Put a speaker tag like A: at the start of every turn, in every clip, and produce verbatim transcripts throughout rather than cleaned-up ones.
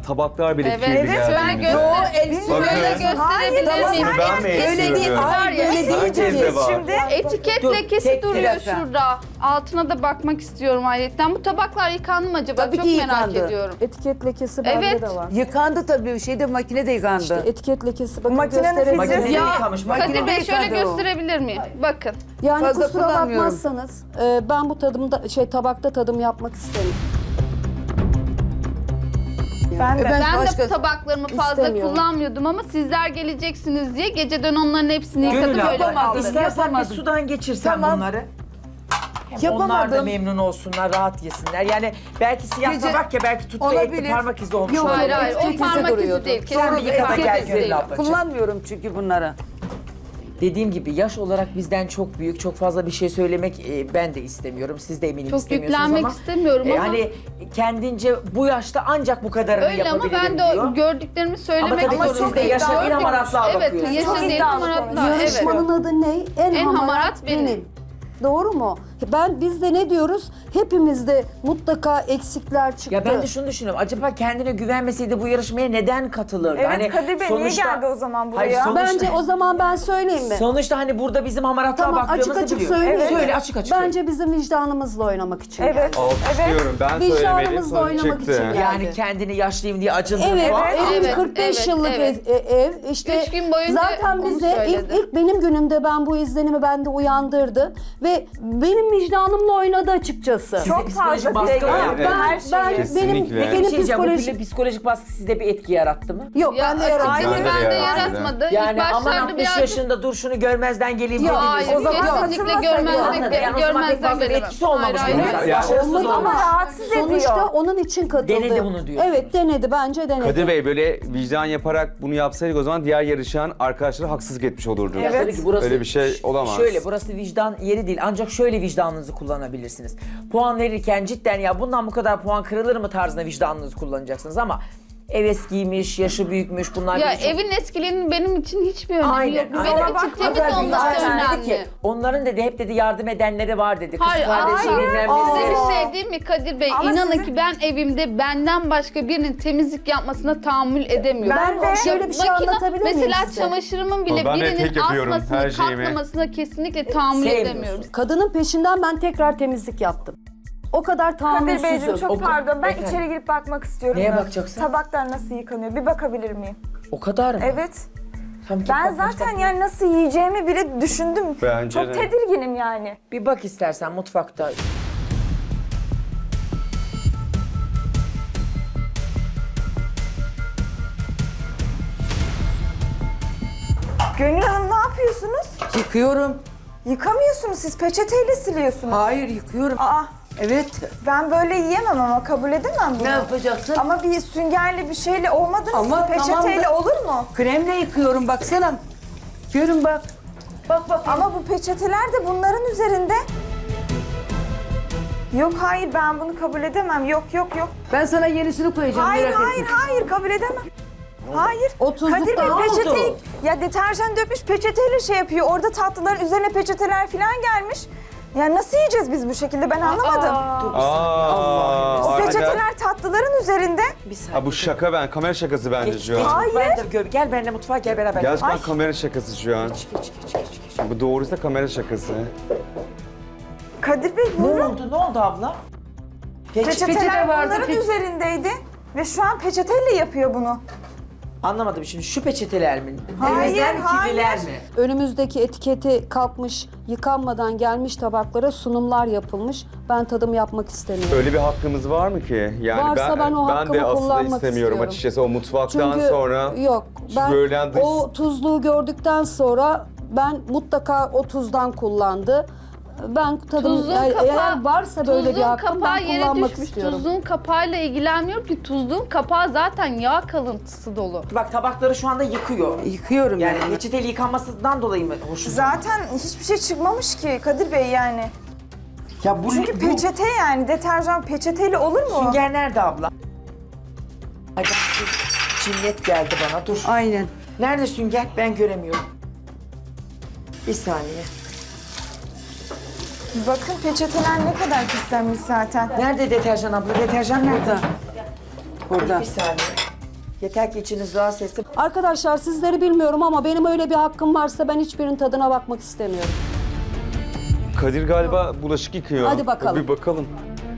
A: tabaklar bile
B: Evet,
A: kirli
B: evet,
A: geldi.
B: ben
A: bize.
B: göster
A: Bakın.
B: şöyle gösterebilir miyim?
A: Bunu ben mi
B: Öyle değil,
A: eksiyorum?
B: var ya.
A: Herkes de var.
C: Şimdi
B: Etiket
D: Dur,
B: lekesi
D: tek
B: duruyor
D: telefon.
B: şurada. Altına da bakmak istiyorum ayrıca. Bu tabaklar yıkandı mı acaba?
D: Tabii
B: Çok
D: ki
B: merak
D: yıkandı.
B: ediyorum.
E: Etiket lekesi bende
B: Evet.
E: de var.
D: Yıkandı tabii, şeyde makinede yıkandı.
E: İşte etiket lekesi bakın
C: Makinenin
E: gösterelim.
C: filtresi-
D: Makinede
B: Ya
D: yıkamış, makinede
B: Kadir Bey şöyle
D: yıkandı o.
B: gösterebilir miyim? Bakın.
E: Yani
D: Fazla
E: kusura
D: kullanmıyorum.
E: bakmazsanız e, ben bu tadımda şey tabakta tadım yapmak istemiyorum.
C: ben de.
D: Ben
B: Ben
D: başka-
B: de tabaklarımı fazla
E: İstemiyorum.
B: kullanmıyordum ama sizler geleceksiniz diye geceden onların hepsini
F: Gönül
B: yıkadım öyle
F: abla,
B: kaldırdım.
F: istersen bir
D: Yapamadım.
F: sudan geçirsen
D: Tamam.
F: bunları. Hem onlar da
D: Yapamadım.
F: memnun olsunlar, rahat yesinler. Yani belki siyah
D: Gece-
F: tabak ya, belki tuttu etli
D: Olabilir.
F: parmak izi olmuş
D: Yok,
F: olabilir.
B: Hayır hayır o
D: Etiketi
B: parmak izi
D: duruyordu.
B: değil.
F: Sen bir
B: Kesinlikle
F: yıka da
B: parmak
F: gel
B: izi
F: Gönül
B: değil.
F: ablacığım.
D: Kullanmıyorum çünkü bunları.
F: Dediğim gibi yaş olarak bizden çok büyük, çok fazla bir şey söylemek e, ben de istemiyorum. Siz de eminim
B: Çok
F: istemiyorsunuz
B: yüklenmek
F: ama.
B: istemiyorum
F: e,
B: ama.
F: hani kendince bu yaşta ancak bu kadarını
B: Öyle ama
F: yapabilirim
B: ben de
F: diyor.
B: o gördüklerimi söylemek
F: Ama tabii
B: zorundayım.
F: siz de yaşa bir
B: Gördük-
F: hamaratlığa
B: Evet,
F: bakıyorsunuz.
B: yaşa
C: Çok
B: değil
C: iddialı
B: hamaratlığa. Evet.
E: Yarışmanın adı ne? En,
B: En
E: hamarat,
B: hamarat
E: benim.
B: benim.
E: Doğru mu? Ben biz de ne diyoruz? Hepimizde mutlaka eksikler çıktı.
F: Ya ben de şunu düşünüyorum. Acaba kendine güvenmeseydi bu yarışmaya neden katılırdı?
C: Evet,
F: Hani
C: Kadir Bey niye geldi o zaman buraya?
F: Hayır, sonuçta,
E: Bence o zaman ben söyleyeyim mi?
F: sonuçta hani burada bizim hamaratlığa
E: Tamam,
F: baktığımızı
E: açık açık
F: biliyor.
E: söyleyeyim.
F: Evet. Söyle açık açık.
E: Bence bizim vicdanımızla oynamak için
C: Evet.
E: geldi.
A: Alkışlıyorum. Ben söylemedim.
E: Vicdanımızla
A: Sonra
E: oynamak
A: çıktı.
E: için geldi.
F: Yani kendini yaşlıyım diye acındırma.
E: Evet, evim
B: Evet,
E: kırk beş
B: evet,
E: yıllık
B: evet.
E: ev, e- ev. İşte
B: Üç gün boyunca
E: zaten
B: onu
E: bize ilk,
B: söyledi.
E: ilk benim günümde ben bu izlenimi bende uyandırdı ve benim vicdanımla oynadı açıkçası.
C: Çok
F: psikolojik
C: fazla
F: baskı
C: dile
F: var.
C: geldi.
A: Evet.
C: Her
E: ben
C: şeyi.
E: benim
A: Kesinlikle.
F: Bir
E: benim
F: şey diyeceğim, bu
E: psikolojik
F: psikolojik, psikolojik baskı sizde bir etki yarattı mı?
E: yok
B: Ya
E: ben de yarattım.
B: açıkçası
A: Bende de
B: ben de
A: yarattı.
B: yaratmadı.
F: Yani
B: İlk
F: aman
B: başlarda
F: altmış
B: birazcık...
F: yaşında dur şunu görmezden geleyim
B: Yok
F: dediniz.
B: hayır,
F: O zaman
B: kesinlikle
C: katılmasaydı
B: görmezlik,
F: anladım. Yani o zaman pek
B: görmezden
F: fazla bir
B: gelemem.
F: etkisi olmamış.
B: Hayır, hayır.
F: bunun.
A: Ya,
F: Başarısız
E: olmadı
F: olmuş.
C: Ama rahatsız
E: Sonuçta
C: ediyor.
E: onun için katıldı.
F: Denedi bunu diyorsunuz.
E: Evet denedi bence denedi.
A: Kadir Bey böyle vicdan yaparak bunu yapsaydık o zaman diğer yarışan arkadaşlara haksızlık etmiş olurdu.
F: Ya tabii ki burası,
A: Öyle bir şey olamaz.
F: Şöyle, burası vicdan yeri değil. Ancak şöyle vicdanınızı kullanabilirsiniz. Puan verirken cidden ya bundan bu kadar puan kırılır mı tarzında vicdanınızı kullanacaksınız ama ev eskiymiş, yaşı büyükmüş bunlar
B: Ya
F: bizi çok-
B: evin eskiliğinin benim için hiçbir önemi
F: Aynen.
B: yok.
F: Ama
B: Benim
F: bak,
B: için temiz
F: Haber
B: olması
F: Bilal dedi
B: önemli.
F: ki, onların dedi hep dedi yardım edenleri var dedi. Kız
B: Hayır,
F: kardeşi
B: hayır.
F: bilmem
B: Size
F: nesi.
B: bir şey diyeyim mi Kadir Bey?
C: Ama
B: İnanın
C: sizin-
B: ki ben evimde benden başka birinin temizlik yapmasına tahammül edemiyorum.
E: Ben de şöyle bir şey
B: Makine-
E: anlatabilir miyim
B: Mesela
E: size?
B: çamaşırımın bile
A: Ama ben de
B: birinin
A: tek yapıyorum
B: asmasını,
A: her şeyimi.
B: katlamasına kesinlikle tahammül
F: Sevmiyorsun.
B: edemiyorum.
E: Kadının peşinden ben tekrar temizlik yaptım. O kadar
C: Kadir Beyciğim
E: tahammülsüzüm.
C: çok
F: O-
C: pardon. Ben
F: Efendim?
C: içeri girip bakmak istiyorum.
F: Neye
C: da.
F: bakacaksın?
C: Tabaklar nasıl yıkanıyor? Bir bakabilir miyim?
F: O kadar mı?
C: Evet.
F: Tam git
C: Ben
F: bak,
C: zaten
F: bak.
C: yani nasıl yiyeceğimi bile düşündüm.
A: Bence
C: Çok
A: de.
C: tedirginim yani.
F: Bir bak istersen mutfakta.
C: Gönül Hanım ne yapıyorsunuz?
D: Yıkıyorum.
C: Yıkamıyorsunuz siz peçeteyle siliyorsunuz.
D: Hayır, yıkıyorum.
C: Aa
D: Evet.
C: ben böyle yiyemem ama kabul edemem bunu.
D: Ne yapacaksın?
C: Ama bir süngerli bir şeyle olmadınız
D: Ama
C: ki peçeteyle
D: tamam da-
C: olur mu?
D: Kremle yıkıyorum baksana. Görün bak. Bak bak.
C: Ama bu peçeteler de bunların üzerinde. Yok hayır ben bunu kabul edemem. Yok yok yok.
D: Ben sana yenisini koyacağım.
C: Hayır
D: merak
C: hayır
D: etme.
C: hayır kabul edemem. Hayır.
E: O tuzluk
C: Kadir Bey
E: da-
C: peçeteyi
F: oldu?
C: ya deterjan dökmüş peçeteyle şey yapıyor. Orada tatlıların üzerine peçeteler falan gelmiş. Ya nasıl yiyeceğiz biz bu şekilde ben anlamadım.
A: Aa,
C: O
A: arkadaş-
C: peçeteler tatlıların üzerinde.
F: Bir saniye.
A: Ha bu şaka ben. Kamera şakası bence
F: Geç,
A: şu
F: geç
A: an.
C: Hayır.
F: mutfağa da gör. Gel benimle mutfağa gel beraber.
A: Gerçekten
C: Ay.
A: kamera şakası şu an.
F: Geç, geç, geç, geç, geç.
A: Bu doğruysa kamera şakası.
C: Kadir Bey
F: Ne
C: buyurun.
F: oldu? Ne oldu abla? Peç,
C: Peçeteler
D: peçete vardı,
C: bunların
D: peç-
C: üzerindeydi. Ve şu an peçeteyle yapıyor bunu.
F: Anlamadım şimdi şu peçeteler mi?
C: Hayır,
F: Temizler mi, kirliler
C: hayır.
F: mi?
E: Önümüzdeki etiketi kalkmış, yıkanmadan gelmiş tabaklara sunumlar yapılmış. Ben tadım yapmak istemiyorum.
A: Öyle bir hakkımız var mı ki? Yani
E: Varsa ben o
A: ben
E: hakkımı
A: de aslında
E: kullanmak
A: istemiyorum
E: istiyorum.
A: açıkçası o mutfaktan
E: Çünkü
A: sonra.
E: yok ben
A: bölen dış-
E: o tuzluğu gördükten sonra ben mutlaka o tuzdan kullandı. Ben tadım
B: Tuzluğun
E: eğer
B: kapağı,
E: varsa böyle bir
B: tuzluğun
E: hakkım
B: kapağı
E: ben
B: yere
E: kullanmak
B: düşmüş.
E: istiyorum.
B: Tuzluğun kapağıyla ilgilenmiyorum ki tuzluğun kapağı zaten yağ kalıntısı dolu.
F: Bak tabakları şu anda yıkıyor.
D: Yıkıyorum
F: Yani
D: yani.
F: peçeteyle yıkanmasından dolayı mı hoşuna?
C: Zaten hiçbir şey çıkmamış ki Kadir Bey yani.
F: Ya bu,
C: Çünkü
F: bu
C: peçete yani deterjan peçeteyle olur mu?
F: sünger nerede abla? Ay ben cinnet geldi bana dur.
D: Aynen.
F: Nerede sünger? Ben göremiyorum. Bir saniye.
C: Bakın peçeteler ne kadar pislenmiş zaten.
F: Nerede deterjan abla? Deterjan nerede?
D: Burada.
F: Bir saniye. Yeter ki içiniz rahatsız etsin.
E: Arkadaşlar sizleri bilmiyorum ama benim öyle bir hakkım varsa ben hiçbirinin tadına bakmak istemiyorum.
A: Kadir galiba bulaşık yıkıyor.
E: Hadi bakalım.
A: Bir bakalım.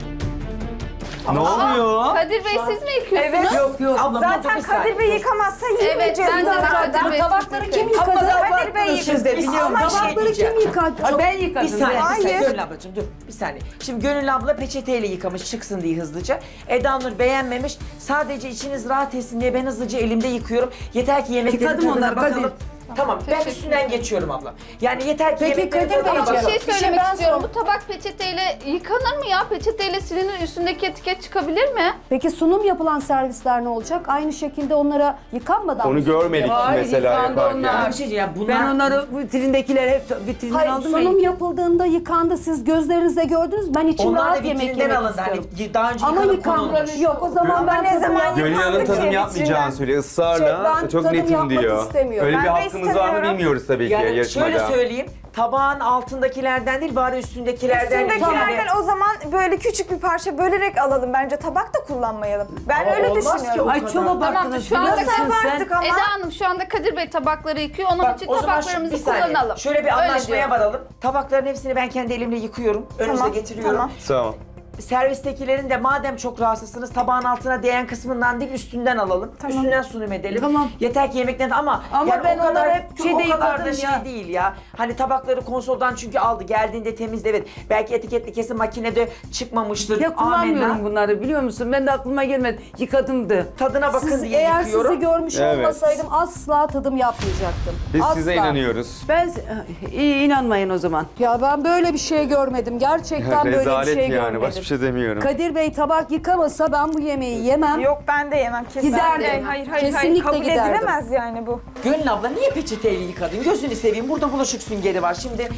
A: Ne oluyor?
B: Kadir Bey siz mi yıkıyorsunuz?
C: Evet.
D: Yok yok.
F: Ablam, dur
C: Zaten
F: bir saniye,
C: Kadir Bey
F: dur.
C: yıkamazsa
B: Evet
C: yiyemeyeceğiz.
B: ben de
C: zaten.
B: Kadir Bey
E: Tabakları
B: siz
E: kim
B: yıkıyor.
E: yıkadı?
C: Kadir Bey
F: Siz de
C: yıkadı.
F: biliyorum,
C: Ama
F: bir şey
E: Tabakları
F: diyeceğim.
E: kim yıkadı?
D: Ha, ben yıkadım.
F: Bir saniye, bir saniye.
C: Hayır.
F: Gönül ablacığım dur. Bir saniye. Şimdi Gönül abla peçeteyle yıkamış çıksın diye hızlıca. Eda Nur beğenmemiş. Sadece içiniz rahat etsin diye ben hızlıca elimde yıkıyorum. Yeter ki yemeklerin
D: Yıkadım
F: tadına
D: onları,
F: bakalım.
D: Kadir.
F: Tamam, ben üstünden geçiyorum abla. Yani yeter ki
E: Peki,
F: yemeklerin
E: Kadir
F: tadına
E: Bey,
B: Bir
F: bakalım.
B: şey
E: Bir şey
B: söylemek
E: ben
B: istiyorum.
E: sor-
B: Bu tabak peçeteyle yıkanır mı ya? Peçeteyle silinir, üstündeki etiket çıkabilir mi?
E: Peki sunum yapılan servisler ne olacak? Aynı şekilde onlara yıkanmadan
A: Onu
E: mı sunum
A: görmedik
E: yapılacak?
D: Hayır,
A: mesela
D: yıkandı
A: yaparken.
D: onlar.
F: Bir şey diyeceğim. Bunlar...
D: Ben onları vitrindekiler hep vitrinden
E: Hayır,
D: aldım.
E: sunum
D: ya.
E: yapıldığında yıkandı. Siz gözlerinizle gördünüz. Ben içim
F: Onlar da
E: rahat yemek
F: vitrinden
E: yemek
F: alındı.
E: istiyorum.
F: Hani daha önce
E: Ama
F: yıkanıp
E: yıkanmadı.
F: konulmuş.
E: Yok o zaman
C: Ama
E: ben
C: ne
E: tadım
C: zaman
E: yapmam.
A: Gönül Hanım
C: Yıkandı
A: tadım
C: ki
A: yapmayacağını
C: içinden.
A: söylüyor ısrarla.
E: Şey, ben
A: Çok
E: tadım
A: netim
E: yapmak
A: diyor.
E: istemiyorum.
A: Öyle bir
C: Ben de
A: hakkımız var mı
C: istemiyorum.
A: bilmiyoruz tabii ki
F: Yani
A: yarışmada.
F: şöyle söyleyeyim. Tabağın altındakilerden değil bari üstündekilerden.
C: Üstündekilerden
F: yani.
C: o zaman böyle küçük bir parça bölerek alalım. Bence tabak da kullanmayalım. Ben
F: Ama
C: öyle
F: olmaz ki
C: düşünüyorum.
F: o
D: Ay çok
B: Tamam
D: abarttınız.
B: şu anda
D: biliyor musun sen?
C: abarttık ama.
B: Eda Hanım şu anda Kadir Bey tabakları yıkıyor. Onun
F: Bak,
B: için
F: o zaman şu-
B: tabaklarımızı
F: bir saniye.
B: kullanalım.
F: Şöyle bir
B: Öyle
F: anlaşmaya
B: diyor.
F: varalım. Tabakların hepsini ben kendi elimle yıkıyorum. Önünüze
C: Tamam,
F: getiriyorum.
C: tamam.
A: Tamam.
F: Servistekilerin de madem çok rahatsızsınız tabağın altına değen kısmından değil üstünden alalım. Üstünden sunum edelim.
D: Tamam.
F: Yeter ki yemekten ama,
D: Ama
F: yani
D: ben
F: o kadar,
D: onları hep şeyde
F: o kadar da
D: yıkadım
F: şey
D: ya.
F: değil ya. Hani tabakları konsoldan çünkü aldı geldiğinde temizle evet. Belki etiketli kesin makinede çıkmamıştır.
D: Ya kullanmıyorum
F: Amenna.
D: bunları biliyor musun? Ben de aklıma gelmedi. Yıkadımdı.
F: Tadına bakın
E: Siz,
F: diye
E: eğer
F: yıkıyorum.
E: sizi görmüş
A: Evet.
E: olmasaydım asla tadım yapmayacaktım.
A: Biz
E: asla.
A: size inanıyoruz.
D: Ben iyi inanmayın o zaman.
E: Ya ben böyle bir şey görmedim. Gerçekten böyle bir
A: Rezalet
E: şey
A: yani
E: görmedim.
A: başka bir şey demiyorum.
E: Kadir Bey tabak yıkamasa ben bu yemeği yemem.
C: Yok ben de yemem kesinlikle.
E: Giderdim.
C: Hayır hayır hayır.
E: Kesinlikle
C: Kabul
E: giderdim.
C: edilemez yani bu.
F: Gönül abla niye peçeteyle yıkadın? Gözünü seveyim. Burada bulaşık süngeri var. Şimdi...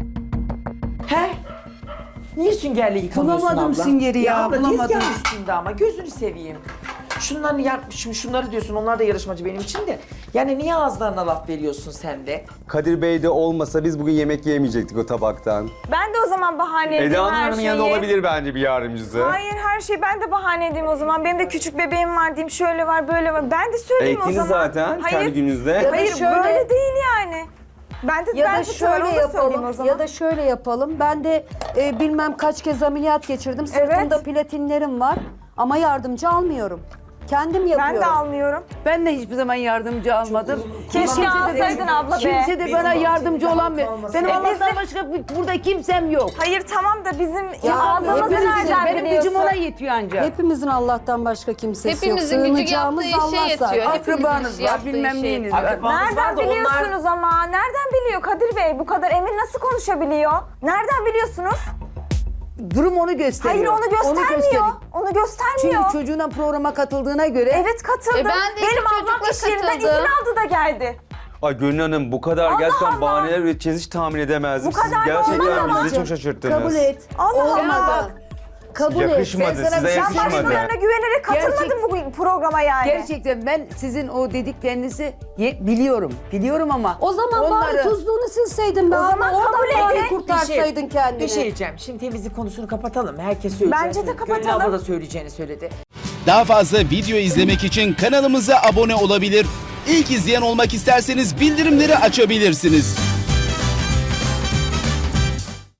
F: He? Niye süngerle yıkamıyorsun
D: Bulamadım
F: abla?
D: süngeri ya,
F: abla,
D: bulamadım.
F: tezgahın üstünde ama gözünü seveyim. Şunları yap, şimdi şunları diyorsun onlar da yarışmacı benim için de. Yani niye ağızlarına laf veriyorsun sen de?
A: Kadir Bey de olmasa biz bugün yemek yemeyecektik o tabaktan.
C: Ben de o zaman bahane edeyim
A: Eda
C: her
A: Hanım'ın
C: şeyi.
A: yanında olabilir bence bir yardımcısı.
C: Hayır her şeyi ben de bahane edeyim o zaman. Benim de küçük bebeğim var diyeyim şöyle var böyle var. Ben de söyleyeyim o
A: Ektiniz
C: zaman.
A: zaten
C: Hayır,
A: kendi gününüzde.
E: Ya da
C: hayır
E: şöyle-
C: böyle değil yani. Ben de
E: Ya
C: ben
E: da
C: de
E: şöyle
C: onu da söyleyeyim o
E: yapalım.
C: zaman.
E: Ya da şöyle yapalım. Ben de e, bilmem kaç kez ameliyat geçirdim. Sırtımda
C: Evet.
E: platinlerim var ama yardımcı almıyorum. Kendim yapıyorum.
C: Ben de almıyorum.
D: Ben de hiçbir zaman yardımcı almadım.
C: Keşke
D: de-
C: alsaydın abla be.
D: Kimse de
F: Bizim
D: bana yardımcı
F: bahçemizde
D: olan bir.
F: kalmasın.
D: Benim
C: E,
D: Allah'tan
C: bizim-
D: başka bu- burada kimsem yok.
C: Hayır tamam da bizim
E: Ya,
C: aldığımızı
E: hepimizin-
C: nereden
D: Benim
C: biliyorsun?
D: gücüm ona yetiyor ancak.
E: Hepimizin Allah'tan başka kimsesi
B: Hepimizin
E: yok.
B: gücü
E: Sığınacağımız
B: yaptığı işe
E: Allah
B: yetiyor.
E: zaten.
B: Hepimizin
D: Akrabanız
B: işi
D: var,
B: yaptığı
D: bilmem
B: işe
D: neyiniz
B: yetiyor.
D: var.
F: Akrabanız var
C: Nereden
F: da onlar-
C: biliyorsunuz ama? Nereden biliyor Kadir Bey? Bu kadar emin nasıl konuşabiliyor? Nereden biliyorsunuz?
D: Durum onu gösteriyor.
C: Hayır onu göstermiyor.
D: gösteriyor.
C: Onu göstermiyor.
D: Çünkü çocuğuna programa katıldığına göre
C: Evet katıldım.
B: E ben de iki
C: Benim ablam
B: çocukla
C: iş yerinden izin
B: katıldım.
C: aldı da geldi.
A: Ay Gönül Hanım bu kadar
C: Allah
A: gerçekten
C: Allah.
A: bahaneler üreteceğiz hiç tahmin edemezdim.
C: Bu kadar
A: Siz
C: da
A: gerçekten
C: olmaz
A: bizi
C: ama.
A: çok şaşırttınız.
E: Kabul et.
C: Allah Allah.
E: Olmadı. Kabul et.
A: Yakışmadı,
D: Ben sana
A: size
D: bir şey
C: Ben
A: yakışmadı.
C: başkalarına güvenerek katılmadım bu programa yani.
D: gerçekten ben sizin o dediklerinizi ye- biliyorum. Biliyorum ama
E: O zaman bari
D: onları-
E: tuzluğunu silseydin be
C: O
E: abla.
C: zaman
E: Oradan
C: kabul
E: bari
C: edin.
E: kurtarsaydın kendini.
F: Bir şey diyeceğim. Şimdi temizlik konusunu kapatalım. Herkes söyleyeceğini
C: Bence de
F: söyledi.
C: kapatalım.
F: Gönül abla da söyleyeceğini söyledi.
G: Daha fazla video izlemek için kanalımıza abone olabilir. İlk izleyen olmak isterseniz bildirimleri açabilirsiniz.